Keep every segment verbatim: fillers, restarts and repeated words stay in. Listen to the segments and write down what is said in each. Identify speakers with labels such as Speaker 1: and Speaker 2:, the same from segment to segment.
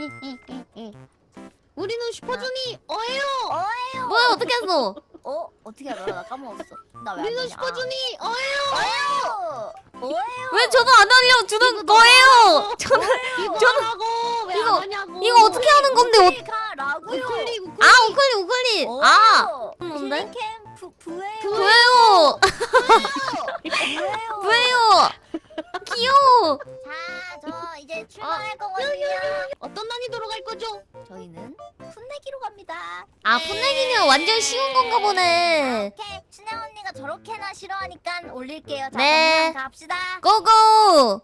Speaker 1: 우리는 슈퍼주니 어예요.
Speaker 2: 어예요.
Speaker 3: 뭐야 어떻게 했어?
Speaker 2: 어? 어떻게 알아? 나 까먹었어. 나 왜 안
Speaker 1: 우리는
Speaker 2: 되냐?
Speaker 1: 슈퍼주니 어예요.
Speaker 2: 어예요. 어예요.
Speaker 3: 왜 저도 안 알려주는 거예요? 저는
Speaker 1: 이거
Speaker 3: 저는-
Speaker 1: 하라고 왜
Speaker 3: 이거-
Speaker 1: 안 하냐고.
Speaker 3: 이거 어떻게 하는 건데? 어,
Speaker 2: 가라고요.
Speaker 1: 우클릭 우클릭.
Speaker 3: 아 우클릭 우클릭. 아 뭔데?
Speaker 2: 힐링캠 부 부예요.
Speaker 3: 뭐예요?
Speaker 2: 부예요.
Speaker 3: 뭐예요? 귀여워.
Speaker 2: 자, 저 이제 출발할 거거든요.
Speaker 1: 어떤 난이도로 갈 거죠?
Speaker 2: 저희는 풋내기로 갑니다.
Speaker 3: 아 풋내기는 완전 쉬운 건가 보네.
Speaker 2: 오케이, 신혜 언니가 저렇게나 싫어하니까 올릴게요. 자,
Speaker 3: 네.
Speaker 2: 그럼 갑시다.
Speaker 3: 고고.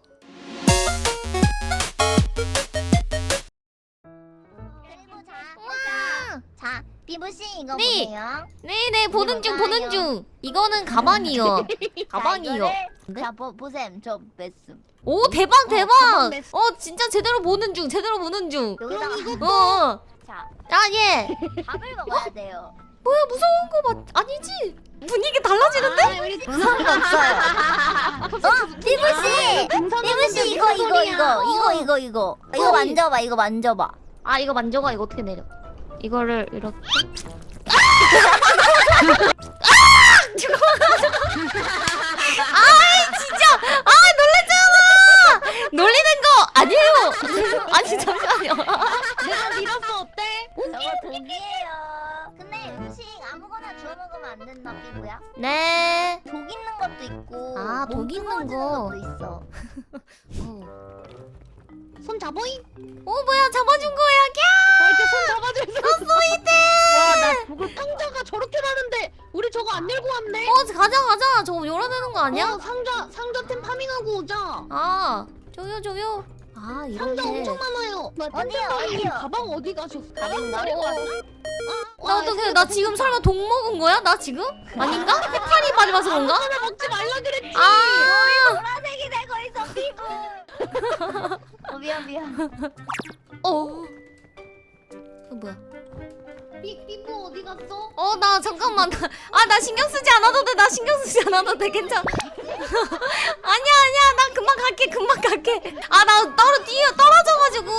Speaker 2: 그리고 자, 자, 자, 비부 씨 이거
Speaker 3: 네.
Speaker 2: 보세요.
Speaker 3: 네네 보는 중 보는
Speaker 2: 이거요.
Speaker 3: 중. 이거는 가방이요. 가방이요.
Speaker 2: 자, 이거를-
Speaker 3: 네?
Speaker 2: 자, 보 보셈, 저 뺐음.
Speaker 3: 오 대박 대박.
Speaker 1: 가방 냈어.
Speaker 3: 어 진짜 제대로 보는 중 제대로 보는 중.
Speaker 2: 여기다가
Speaker 1: 이거-
Speaker 3: 어.
Speaker 2: 자,
Speaker 3: 아 예.
Speaker 2: 밥을 먹어야 돼요.
Speaker 3: 뭐야 무서운 거 맞? 아니지. 분위기 달라지는데?
Speaker 1: 아, 우리
Speaker 2: 무서운 거 없어요. 어, 비부 씨, 비부 씨 이거 이거 이거 이거 이거 이거 이거 만져봐, 이거 만져봐.
Speaker 3: 아 이거 만져가 이거 어떻게 내려? 이거를 이렇게. 아 진짜 아 놀랬잖아. 놀리는 거 아니에요. 아니 잠시만요.
Speaker 1: 내가 밀었어 어때?
Speaker 2: 저거 독이에요. 근데 음식 아무거나 주워 먹으면 안 된다, 비부야.
Speaker 3: 네.
Speaker 2: 독 있는 것도 있고,
Speaker 3: 아,
Speaker 2: 몸
Speaker 3: 독 있는
Speaker 2: 뜨거워지는
Speaker 3: 거.
Speaker 2: 것도 있어.
Speaker 3: 어.
Speaker 1: 손 잡어잉.
Speaker 3: 오 뭐야 잡아준 거야?
Speaker 1: 어, 이렇게 손 잡아줘 있어. 와나 저거 상자가 저렇게 많은데 우리 저거 안 열고 왔네.
Speaker 3: 어 가자 가자. 저거 열어내는 거 아니야?
Speaker 1: 어, 상자 상자템 파밍하고 오자.
Speaker 3: 아 저요 저요. 아
Speaker 1: 상자
Speaker 3: 이렇게.
Speaker 1: 엄청 많아요. 나
Speaker 2: 어디요,
Speaker 1: 템템
Speaker 2: 어디요?
Speaker 1: 가방 어디 가셨어?
Speaker 2: 가방
Speaker 1: 버리고 왔나?
Speaker 3: 나 어떡해 나 지금 설마 독 먹은 거야? 나 지금? 아닌가? 해파리 맞이 마서 그런가?
Speaker 1: 하나 먹지 말라 그랬지.
Speaker 3: 아
Speaker 2: 보라색이 되고 있어, 비부. 어, 미안 미안.
Speaker 3: 어. 어 뭐야?
Speaker 1: 삐 삐부 어디 갔어?
Speaker 3: 어 나 잠깐만 아 나 신경 쓰지 않아도 돼 나 신경 쓰지 않아도 돼 괜찮아 아니야 아니야 나 금방 갈게 금방 갈게 아 나 떨어 뛰어 떨어져가지고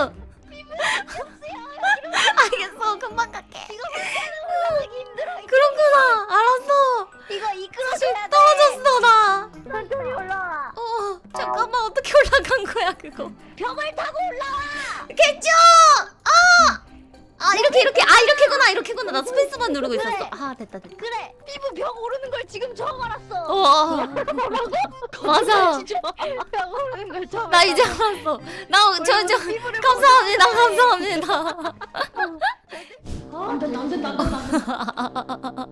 Speaker 3: 알겠어 금방 갈게
Speaker 2: 이거 올라가기 힘들어.
Speaker 3: 그렇구나 알았어
Speaker 2: 이거 이끌어
Speaker 3: 사실
Speaker 2: 줘야 돼.
Speaker 3: 떨어졌어 나
Speaker 2: 천천히 올라와.
Speaker 3: 어 잠깐만 어떻게 올라간 거야 그거
Speaker 2: 벽을 타고 올라와.
Speaker 3: 개쭈 아! 아 이렇게 이렇게 아 이렇게구나 이렇게구나 나 스페이스만 누르고 있었어 아 됐다 됐다
Speaker 2: 그래, 비부 벽 오르는 걸 지금 처음 알았어.
Speaker 3: 어 맞아
Speaker 2: 벽 오르는 걸 처음.
Speaker 3: 나 이제 알았어. 나 저 저 감사합니다. 감사합니다.
Speaker 1: 안 된다 안 된다 안 된다.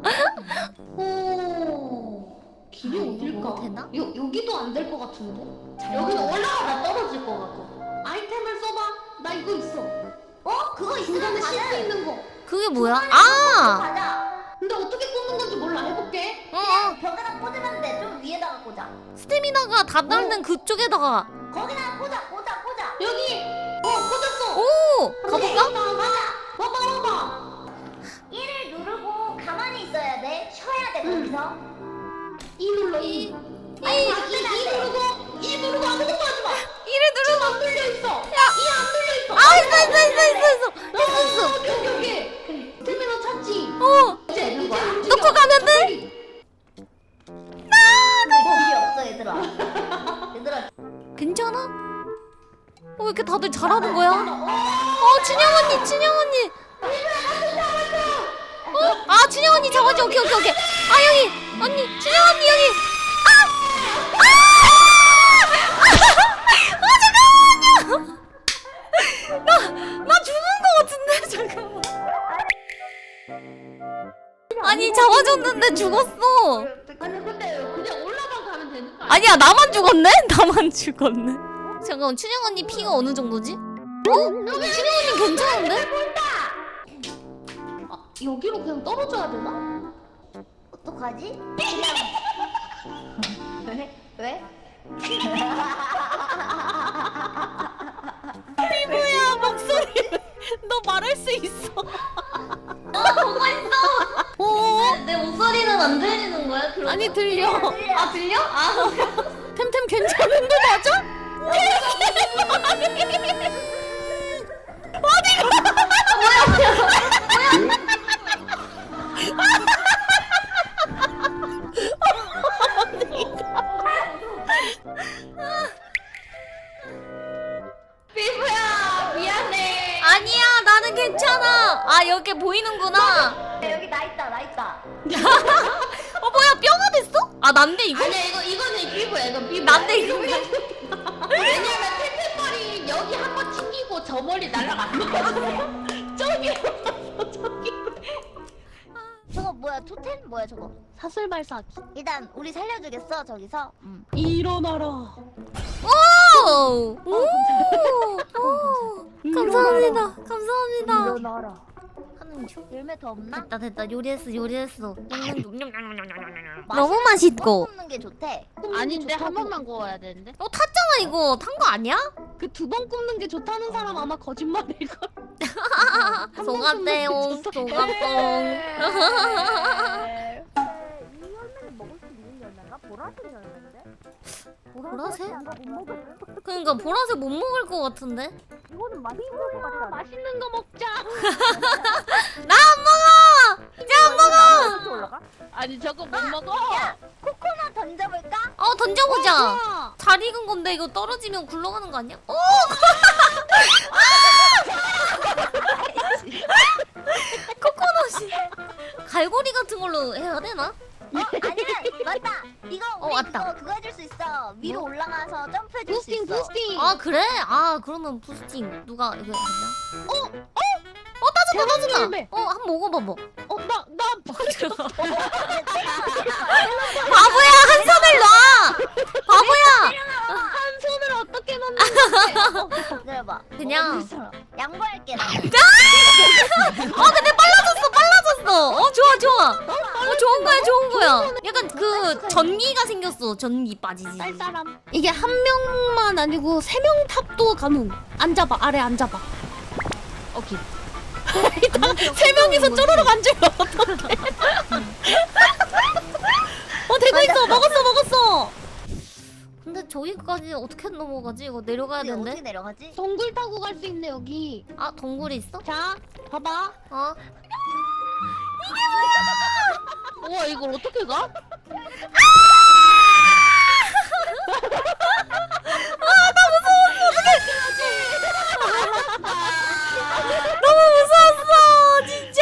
Speaker 1: 오 길이
Speaker 3: 아, 이거
Speaker 1: 어딜까?
Speaker 3: 뭐 되나?
Speaker 1: 요 여기도 안 될 것 같은데? 여기는 올라가다 떨어질 것 같고. 아이템을 써봐. 나 이거 있어.
Speaker 2: 어, 그거
Speaker 1: 중간에
Speaker 2: 있으면
Speaker 1: 쉴 수
Speaker 2: 가자.
Speaker 1: 있는 거.
Speaker 3: 그게 뭐야? 아!
Speaker 2: 가자.
Speaker 1: 근데 어떻게 꽂는 건지 몰라. 해볼게.
Speaker 3: 어, 어.
Speaker 2: 벽에다 꽂으면 돼. 좀 위에다가 꽂아.
Speaker 3: 스태미나가 다 닳는 그쪽에다가.
Speaker 2: 거기다가 꽂아, 꽂아, 꽂아.
Speaker 1: 여기. 어 꽂았어.
Speaker 3: 오! 가볼까?
Speaker 1: 가자. 와봐 와봐.
Speaker 2: 이를 누르고 가만히 있어야 돼. 쉬어야 돼 거기서.
Speaker 1: 이 눌러 이.
Speaker 2: 아니,
Speaker 1: 이,
Speaker 2: 안 돼,
Speaker 1: 이,
Speaker 2: 안
Speaker 1: 이
Speaker 2: 돼.
Speaker 1: 누르고 이 누르고 아무것도 하지 마.
Speaker 3: 이를 누르고.
Speaker 1: 안 눌려 있어. 이 안 눌려 있어.
Speaker 3: 아, 있어, 있어, 있어, 있어, 있어.
Speaker 1: 했어 했어. 오케이 오케이 오케이. 그래. 스태미나 찾지.
Speaker 3: 어!
Speaker 1: 이제 이제 움직여.
Speaker 3: 놓고 가면 돼?
Speaker 2: 그 길이 없어 얘들아. 얘들아.
Speaker 3: 괜찮아? 어, 왜 이렇게 다들 잘하는 거야? 어, 춘영 언니, 춘영 언니. 어? 아, 춘영 언니 잡아줘. 오케이, 오케이, 오케이. 아, 여기. 언니, 춘영 언니, 여기. 아! 아! 아, 잠깐만요. 나, 나 죽은 거 같은데? 잠깐만. 아니, 잡아줬는데 죽었어.
Speaker 1: 아니 근데 그냥 올라만 가면 되는 거 아니야?
Speaker 3: 아니야, 나만 죽었네? 나만 죽었네. 잠깐만, 춘영 언니 피가 어느 정도지? 어? 춘영 언니 괜찮은데?
Speaker 1: 아, 여기로 그냥 떨어져야 되나?
Speaker 2: 어떡하지? 왜? 왜?
Speaker 3: 뭐야, 목소리. 너 말할 수 있어.
Speaker 2: 너 보고 있어.
Speaker 3: 어?
Speaker 2: 내 목소리는 안 들리는 거야? 그럼?
Speaker 3: 아니, 들려.
Speaker 2: 아 들려? 아
Speaker 3: 템템 괜찮은 거 맞아? 괜찮아. 아 여기 보이는구나.
Speaker 2: 여기 나 있다 나 있다.
Speaker 3: 어 뭐야 뼈가 됐어? 아 난데 이거?
Speaker 1: 아니야 이거 이거는 피부야 이거 피부.
Speaker 3: 난데 이거?
Speaker 1: 왜냐면 템템머리 여기 한 번 튕기고 저 멀리 날아갔거든요. 저기 저기.
Speaker 2: 저거 뭐야 토템 뭐야 저거?
Speaker 1: 사슬 발사기.
Speaker 2: 일단 우리 살려주겠어 저기서. 응.
Speaker 1: 일어나라.
Speaker 3: 오! 오! 오! 감사합니다. 감사합니다.
Speaker 2: 일어나라. 하는 중? 열매 더 없나?
Speaker 3: 됐다 됐다 요리했어 요리했어. 너무 맛있고.
Speaker 2: 굽는 게 좋대.
Speaker 1: 아닌데 한 번만 구워야 되는데.
Speaker 3: 어 탔잖아 이거 탄 거 아니야?
Speaker 1: 그 두 번 굽는 게 좋다는 사람 아마 거짓말일 걸.
Speaker 3: 속았대용 속았뽕. 보라색? 그러니까 보라색 못 먹을 것 같은데?
Speaker 2: 이거는 맛있는 거 같아.
Speaker 1: 맛있는 거 먹자.
Speaker 3: 나 안 먹어! 이제 안 먹어!
Speaker 2: 올라가?
Speaker 1: 아니 저거 못 먹어.
Speaker 2: 코코넛 던져볼까?
Speaker 3: 어 던져보자.
Speaker 1: 좋아.
Speaker 3: 잘 익은 건데 이거 떨어지면 굴러가는 거 아니야? 오! 코코넛이 갈고리 같은 걸로 해야 되나?
Speaker 2: 어 아니면 맞다. 이거
Speaker 3: 어,
Speaker 2: 우리
Speaker 3: 왔다.
Speaker 2: 그거 그거 해줄 수 있어. 위로 올라가서 점프해줄 수
Speaker 1: 부스팅
Speaker 2: 있어.
Speaker 1: 부스팅.
Speaker 3: 아 그래? 아 그러면 부스팅 누가 이거 했냐? 어? 어? 어 따준다 따준다.
Speaker 1: 열매.
Speaker 3: 어 한번 먹어봐봐.
Speaker 1: 어나나
Speaker 3: 바보야 한 손을 놔. 바보야.
Speaker 1: 한 손을 어떻게 넣는
Speaker 2: 기다려봐.
Speaker 3: 그냥.
Speaker 2: 양보할게 나.
Speaker 3: 아 근데 빨라졌어 빨라졌어. 어 좋아 좋아. 어 좋은 거야 좋은 거야. 약간 그 전기가 생겼어. 전기 빠지지.
Speaker 1: 쌀 사람. 이게 한 명만 아니고 세 명 탑도 가능. 앉아봐 아래 앉아봐. 오케이. 세 명이서 쪼르륵 앉으면 어떡해. 어 되고 있어 먹었어 먹었어.
Speaker 3: 근데 저기까지 어떻게 넘어가지? 이거 내려가야
Speaker 2: 어떻게
Speaker 3: 되는데.
Speaker 2: 내려가지?
Speaker 1: 동굴 타고 갈 수 있네 여기.
Speaker 3: 아 동굴이 있어?
Speaker 1: 자 봐봐.
Speaker 3: 어?
Speaker 1: 우와 이걸 어떻게 가?
Speaker 3: 너무 무서웠어 진짜.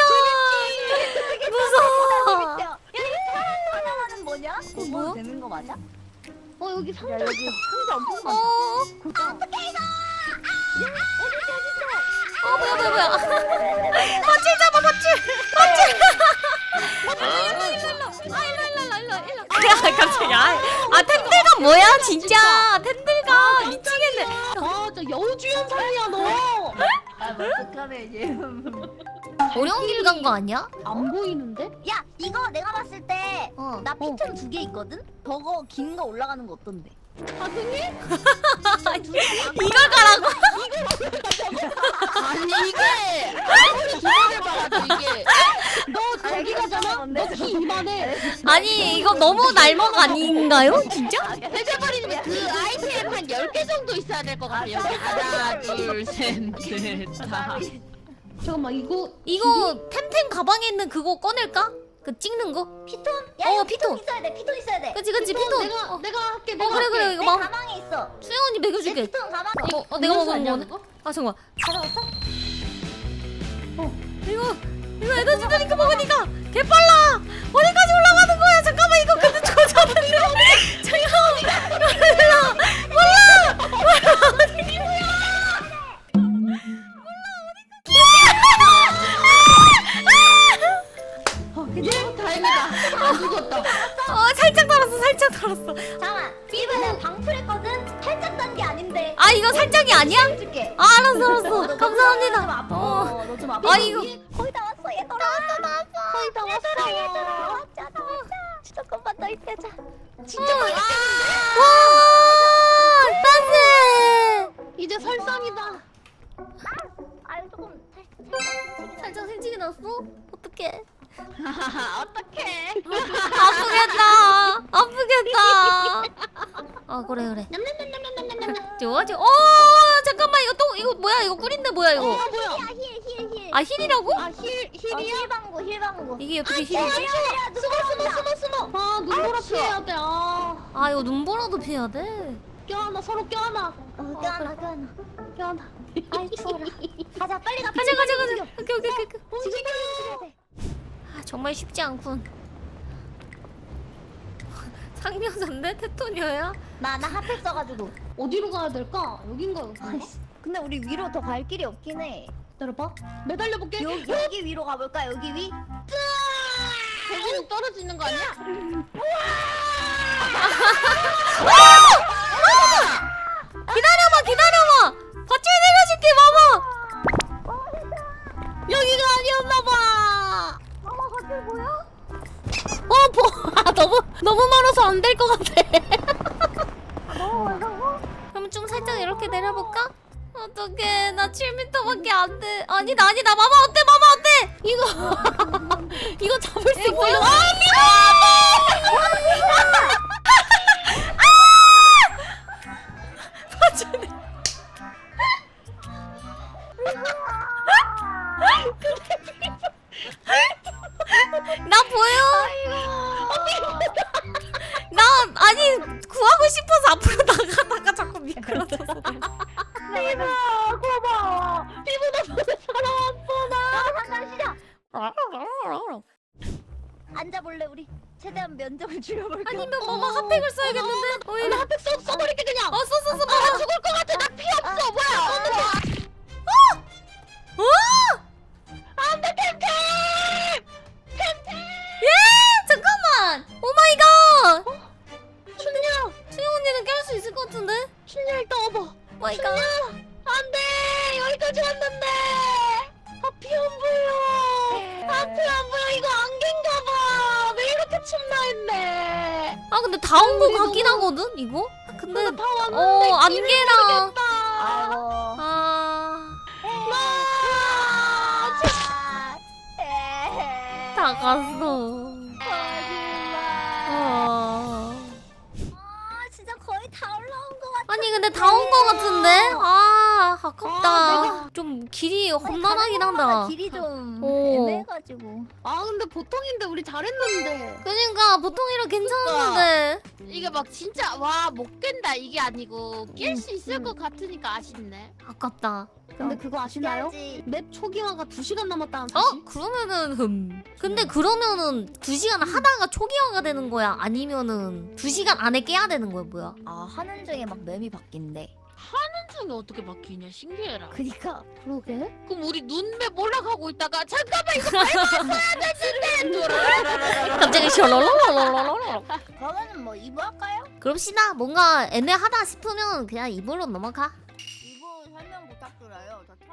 Speaker 3: 무서워.
Speaker 2: 야 이거 사람 하나는 뭐냐? 그거
Speaker 3: 뭐야?
Speaker 2: 뭐 되는 거 맞아?
Speaker 1: 어 여기 상자.
Speaker 2: 여기 상자 엄청 많아.
Speaker 3: 어?
Speaker 2: 어떻게 이거?
Speaker 3: 어 뭐야 뭐야 뭐야. 밧줄 잡아 밧줄. 밧줄. 아 일로 일로 일로 일로 일로. 야 갑자기 아 텐들가 뭐야 진짜 텐들가 미치겠네.
Speaker 1: 아저 여우주연 살이야 너.
Speaker 2: 아 어떡하네 얘.
Speaker 3: 어려운 길 간 거 아니야?
Speaker 1: 안 보이는데?
Speaker 2: 야 이거 내가 봤을 때
Speaker 3: 어.
Speaker 2: 나 피톤 두 개 있거든? 저거 긴 거 올라가는 거 어떤데?
Speaker 1: 가능해?
Speaker 3: 이걸 가라고?
Speaker 1: 아니 이게 아무리 기다려봐도 이게 너 저기 가잖아? 너 키 이만해.
Speaker 3: 아니 이거 너무 날먹 아닌가요? 진짜?
Speaker 1: 해제버리면 그 아이템 한 열 개 정도 있어야 될 것 같아 여기 하나 둘셋넷 다. 잠깐만 이거
Speaker 3: 이거 템템 가방에 있는 그거 꺼낼까? 그 찍는 거?
Speaker 2: 피톤? 야
Speaker 3: 어,
Speaker 2: 이거
Speaker 3: 피톤.
Speaker 2: 피톤 있어야 돼. 피톤 있어야 돼.
Speaker 3: 그치 그치
Speaker 1: 피톤
Speaker 3: 피톤.
Speaker 1: 내가
Speaker 3: 어,
Speaker 1: 내가 할게
Speaker 3: 어
Speaker 1: 내가
Speaker 3: 그래 그래
Speaker 1: 할게.
Speaker 3: 이거
Speaker 2: 내
Speaker 3: 막
Speaker 2: 가방에 있어.
Speaker 3: 수영 언니
Speaker 2: 내
Speaker 3: 먹여줄게.
Speaker 2: 피톤 가방.
Speaker 3: 어, 어 내가 먹은
Speaker 1: 아니야,
Speaker 3: 거네.
Speaker 1: 그거?
Speaker 3: 아 잠깐.
Speaker 2: 가져왔어?
Speaker 3: 어 이거 이거 에너지 드링크 먹으니까 개 빨라. 어디까지 올라가는 거야? 잠깐만 이거 근데 조졌는데. 잠깐만. 몰라 몰라 몰라.
Speaker 1: 어, 괜찮아 다행이다 안 죽었다.
Speaker 3: 어 살짝 달았어 살짝 달았어.
Speaker 2: 잠깐만. 이번엔 방풀했거든? 살짝 단 게 아닌데.
Speaker 3: 아 이거 살짝이 아니야?
Speaker 2: 해줄게.
Speaker 3: 아 알았어 알았어. 감사합니다.
Speaker 2: 어.
Speaker 3: 어.
Speaker 2: 너 좀 아파.
Speaker 3: 아 이거
Speaker 2: 거의 다 왔어 얘들아. 나왔어 나왔어.
Speaker 1: 거의 다
Speaker 2: 얘들아
Speaker 1: 왔어.
Speaker 2: 얘들아. 왔자 나왔자. 조금만 더 있대자.
Speaker 1: 진짜 많이
Speaker 3: 와 딴세.
Speaker 1: 이제 설상이다.
Speaker 2: 아유 조금 살짝
Speaker 3: 살짝 생치기 났어? 어떡해.
Speaker 1: 어떡해.
Speaker 3: 아프겠다. 아프겠다. 아 그래 그래.
Speaker 1: 냠냠냠냠냠냠냠.
Speaker 3: 좋아 좋아. 어 잠깐만 이거 또 이거 뭐야 이거 꿀인데 뭐야 이거?
Speaker 1: 어 뭐야?
Speaker 2: 힐힐힐.
Speaker 3: 아 힐이라고?
Speaker 1: 아 힐 힐이야?
Speaker 2: 힐방구 힐방구.
Speaker 3: 이게 어떻게
Speaker 2: 야,
Speaker 3: 힐이지?
Speaker 2: 야, 야,
Speaker 1: 숨어 숨어 숨어 숨어. 아 눈보라 피해야 돼. 아
Speaker 3: 아 이거 눈보라도 피해야 돼.
Speaker 1: 껴안아 서로 껴안아.
Speaker 2: 어, 껴안아 껴안아.
Speaker 1: 껴안아.
Speaker 2: 아이 추워라. 가자 빨리 가.
Speaker 3: 가자 가자 가자. 오케이 오케이 오케이. 오케이.
Speaker 2: 움직여. 움직여야 돼.
Speaker 3: 아, 정말 쉽지 않군. 상명자인데 테토니어야?
Speaker 2: 나나 핫팩 써가지고.
Speaker 1: 어디로 가야 될까? 여긴가 여긴가?
Speaker 2: 아이씨. 근데 우리 위로 더 갈 길이 없긴 해.
Speaker 1: 기다려봐. 매달려 볼게.
Speaker 2: 여기 여기 위로 가볼까? 여기 위?
Speaker 1: 대구는 떨어지는 거 아니야?
Speaker 3: 기다려봐 기다려봐. 밧줄 내려줄게 마마.
Speaker 1: 여기가 아니었나봐.
Speaker 2: 어머 밧줄 보여?
Speaker 1: 어, 보. 아, 너무 너무 멀어서 안 될 것 같아.
Speaker 2: 너무 멀다고?
Speaker 3: 그럼 좀 살짝 이렇게 내려볼까? 어떡해 나 칠 미터밖에 안 돼. 아니다 아니다 마마 어때 마마 어때?
Speaker 1: 이거 이거 잡을 수 있어.
Speaker 3: 뭐야?
Speaker 1: 이거.
Speaker 3: 밧줄. 나 보여? 나 아니 구하고 싶어서 앞으로 나가다가 자꾸 미끄러져서
Speaker 2: 피부 고마워. 피부 덕분에 살아왔어 나. 잠깐 시작. 앉아볼래 우리? 최대한 면접을 줄여볼까?
Speaker 3: 아니면 마마 핫팩을 써야겠는데?
Speaker 1: 나
Speaker 3: 오히려
Speaker 1: 핫팩 써 써버릴게 그냥.
Speaker 3: 어 써 써 써
Speaker 1: 나
Speaker 3: 마마.
Speaker 1: 죽을 것 같아. 나 피 없어. 뭐야?
Speaker 3: 어?
Speaker 1: 안돼 템템. 템템.
Speaker 3: 예 잠깐만. 오 마이 갓.
Speaker 1: 춘야.
Speaker 3: 수영 언니는 깰 수 있을 것 같은데?
Speaker 1: 춘야 일단 와봐.
Speaker 3: 오 마이 갓.
Speaker 1: 안돼. 여기까지 왔는데. 앞이 안 보여. 앞이 안 보여. 이거 안개인가봐. 왜 이렇게 춥나 했네.
Speaker 3: 아 근데 다 온 거
Speaker 1: 우리
Speaker 3: 같긴
Speaker 1: 너무-
Speaker 3: 하거든 이거? 근데
Speaker 1: 다 왔는데.
Speaker 3: 어
Speaker 1: 길을
Speaker 3: 안개랑
Speaker 1: 모르겠다.
Speaker 2: 아이고.
Speaker 3: 아.
Speaker 1: 아,
Speaker 3: 다 갔어. 어.
Speaker 2: 아 진짜 거의 다 올라온 것 같아.
Speaker 3: 아니 근데 다 온 거 같은데? 아 아깝다.
Speaker 1: 아,
Speaker 3: 좀 길이 험난하긴 한다.
Speaker 2: 길이 좀
Speaker 3: 오.
Speaker 2: 애매해가지고.
Speaker 1: 아 근데 보통인데 우리 잘했는데.
Speaker 3: 그러니까 보통이라 괜찮았는데.
Speaker 1: 이게 막 진짜 와 못 깬다 이게 아니고 깰 수 있을 것 같으니까 아쉽네.
Speaker 3: 아깝다.
Speaker 1: 근데 그거 아시나요?
Speaker 2: 깨야지.
Speaker 1: 맵 초기화가 두 시간 남았다는
Speaker 3: 어?
Speaker 1: 사실?
Speaker 3: 그러면은 흠. 근데 그러면은 두 시간 하다가 초기화가 되는 거야? 아니면은 두 시간 안에 깨야 되는 거야 뭐야?
Speaker 2: 아 하는 중에 막 맵이 바뀐대.
Speaker 1: 중에 어떻게 바뀌냐 신기해라.
Speaker 2: 그니까.
Speaker 1: 그러게? 그럼 우리 눈맵 올라가고 있다가 잠깐만 이거 밟았어야 됐는데.
Speaker 3: 갑자기 셜롤롤롤롤롤.
Speaker 2: 그러면은 뭐 이부 할까요?
Speaker 3: 그럽시다. 뭔가 애매하다 싶으면 그냥 이불로 넘어가.
Speaker 2: 이부 설명 부탁드려요. 저